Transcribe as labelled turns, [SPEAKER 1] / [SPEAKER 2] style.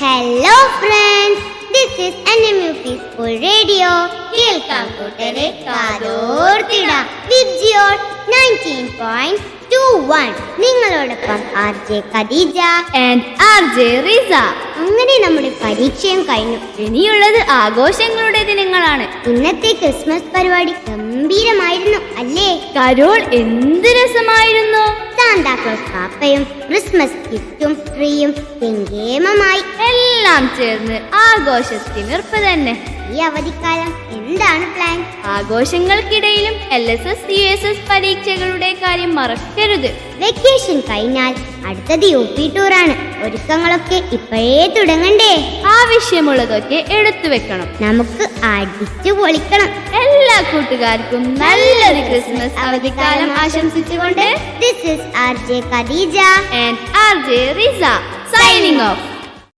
[SPEAKER 1] Hello friends, this is NMUP School Radio. കേൾക്കാം കൂട്ടരെ കാതോർത്തിടാം with your 19.21. നിങ്ങളോടൊപ്പം RJ ഖദീജ
[SPEAKER 2] and RJ റിസ.
[SPEAKER 1] അങ്ങനെ നമ്മുടെ പരീക്ഷയും കഴിഞ്ഞു.
[SPEAKER 2] ഇനിയുള്ളത് ആഘോഷങ്ങളുടെ ദിനങ്ങളാണ്.
[SPEAKER 1] ഇന്നത്തെ ക്രിസ്മസ് പരിപാടി ഗംഭീരമായിരുന്നു അല്ലേ?
[SPEAKER 2] കരോൾ എന്ത് രസമായിരുന്നു.
[SPEAKER 1] സാന്താക്ലോസ് പാപ്പയും ക്രിസ്മസ് ഗിഫ്റ്റും ട്രീയും കെങ്കേമമായി
[SPEAKER 2] എല്ലാം ചേർന്ന് ആഘോഷത്തിനിർപ്പ് തന്നെ.
[SPEAKER 1] ഈ അവധിക്കാലം എന്താണ് പ്ലാൻ?
[SPEAKER 2] ആഘോഷങ്ങൾക്കിടയിലും LSS USS പരീക്ഷകളുടെ കാര്യം മറക്കരുത്.
[SPEAKER 1] വെക്കേഷൻ കഴിഞ്ഞാൽ അടുത്തത് UP ടൂറാണ്. ഒരുക്കങ്ങളൊക്കെ ഇപ്പോഴേ തുടങ്ങണ്ടേ?
[SPEAKER 2] ആവശ്യമുള്ളതൊക്കെ എടുത്തു വെക്കണം.
[SPEAKER 1] നമുക്ക് അടിച്ചു പൊളിക്കണം.
[SPEAKER 2] എല്ലാ കൂട്ടുകാർക്കും നല്ലൊരു ക്രിസ്മസ് അവധിക്കാലം ആശംസിച്ചുകൊണ്ട്
[SPEAKER 1] This is RJ Khadija
[SPEAKER 2] and RJ Riza signing off.